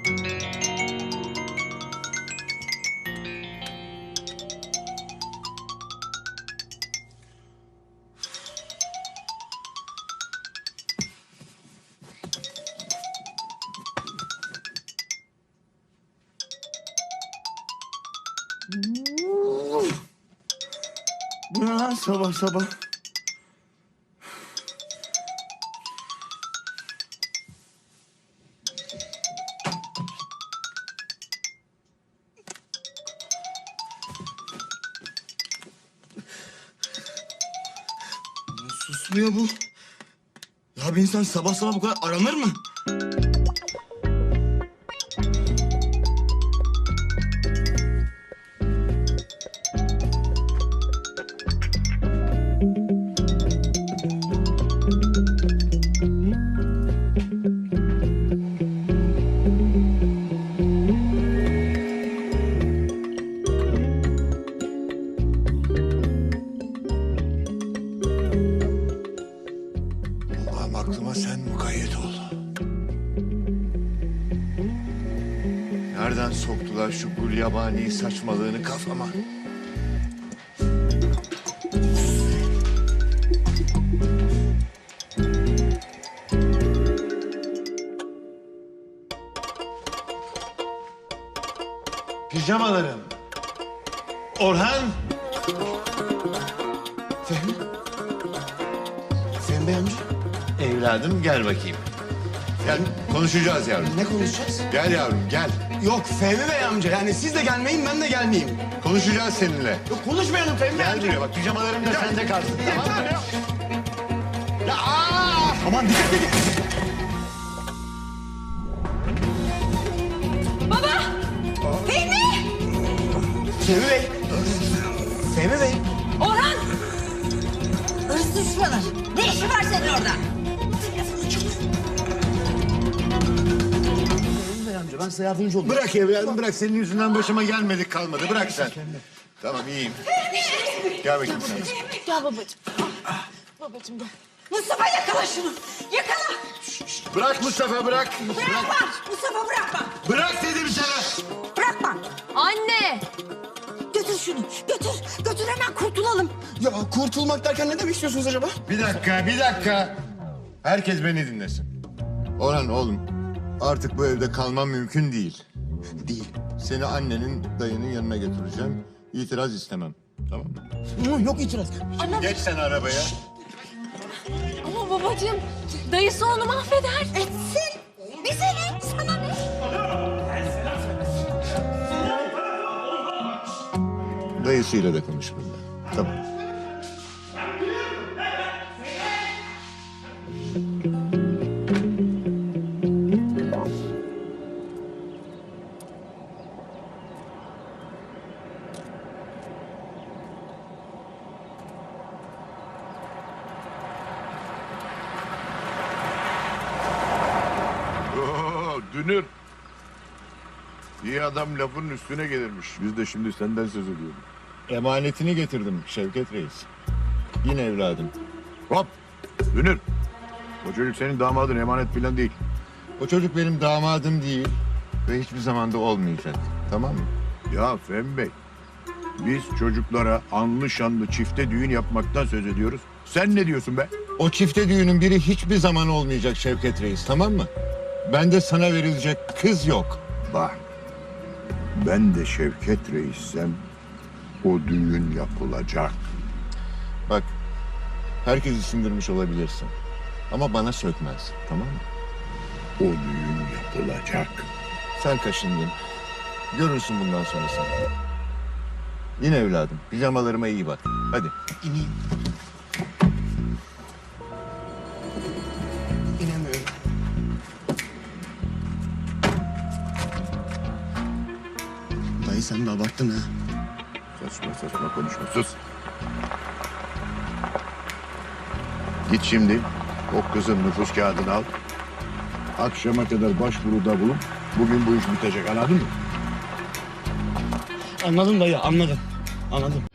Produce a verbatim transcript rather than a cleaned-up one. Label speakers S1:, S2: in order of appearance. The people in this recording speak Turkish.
S1: Bu ne lan sabah sabah? Susmuyor bu. Ya bir insan sabah sabah bu kadar aranır mı?
S2: Allah'ım aklıma sen mukayyet ol. Nereden soktular şu gulyabani saçmalığını kafama? Pijamalarım. Orhan.
S1: Fehmi? Fehmi Bey amca.
S2: Evladım gel bakayım. Gel konuşacağız yavrum.
S1: Ne konuşacağız?
S2: Gel yavrum gel.
S1: Yok Fehmi Bey amca. Yani siz de gelmeyin ben de gelmeyeyim.
S2: Konuşacağız seninle.
S1: Yok konuşmayalım Fehmi Bey
S2: Gel
S1: amca.
S2: buraya bak pijamalarım da sende kalsın tamam mı? Ya aa!
S1: Aman dikkat edin.
S3: Baba! Fehmi!
S1: Fehmi Bey. Fehmi Bey.
S3: Orhan! Hırsız düşmanı. Ne işi var senin orada?
S1: Fehmi Bey amca ben size yardımcı olayım.
S2: Bırak evladım bırak senin yüzünden başıma gelmedik kalmadı bırak sen. Tamam iyiyim. Gel bakayım sen.
S3: Gel babacığım. Babacığım gel. Mustafa yakala şunu. Yakala.
S2: Bırak Mustafa bırak.
S3: Bırakma. Mustafa bırakma.
S2: Bırak dedim sana.
S3: Bırakma.
S4: Anne!
S3: Götür şunu. Götür. Götür hemen kurtulalım.
S1: Ya kurtulmak derken ne demek istiyorsunuz acaba?
S2: Bir dakika bir dakika. Herkes beni dinlesin. Orhan oğlum artık bu evde kalmam mümkün değil.
S1: Değil.
S2: Seni annenin dayının yanına götüreceğim. İtiraz istemem. Tamam mı?
S1: Hı, yok itiraz.
S2: Geç sen arabaya.
S4: Ama babacığım, dayısı onu mahveder.
S3: Etsin. Bize ne? Sana ne?
S2: Dayısıyla da konuş bununla. Tamam.
S5: Oo, Dünür. İyi adam lafının üstüne gelirmiş. Biz de şimdi senden söz ediyoruz.
S2: Emanetini getirdim Şevket Reis. Yine evladım.
S5: Hop! Dünür. O çocuk senin damadın, emanet falan değil.
S2: O çocuk benim damadım değil ve hiçbir zamanda olmayacak. Tamam mı?
S5: Ya Fehmi Bey, biz çocuklara anlı şanlı çifte düğün yapmaktan söz ediyoruz. Sen ne diyorsun be?
S2: O çifte düğünün biri hiçbir zaman olmayacak Şevket Reis, tamam mı? Bende sana verilecek kız yok.
S5: Bak, ben de Şevket Reis'sem o düğün yapılacak.
S2: Bak, herkesi sindirmiş olabilirsin. Ama bana sökmez, tamam mı?
S5: O düğün yapılacak.
S2: Sen kaşındın. Görürsün bundan sonrasını. Yine evladım, pijamalarıma iyi bak. Hadi.
S1: İneyim. İnemiyorum. Dayı sen de abarttın ha.
S5: Saçma saçma konuşma, sus. Git şimdi, o kızın nüfus kağıdını al. Akşama kadar başvuruda bulun. Bugün bu iş bitecek, anladın mı?
S1: Anladım dayı anladım. Anladım.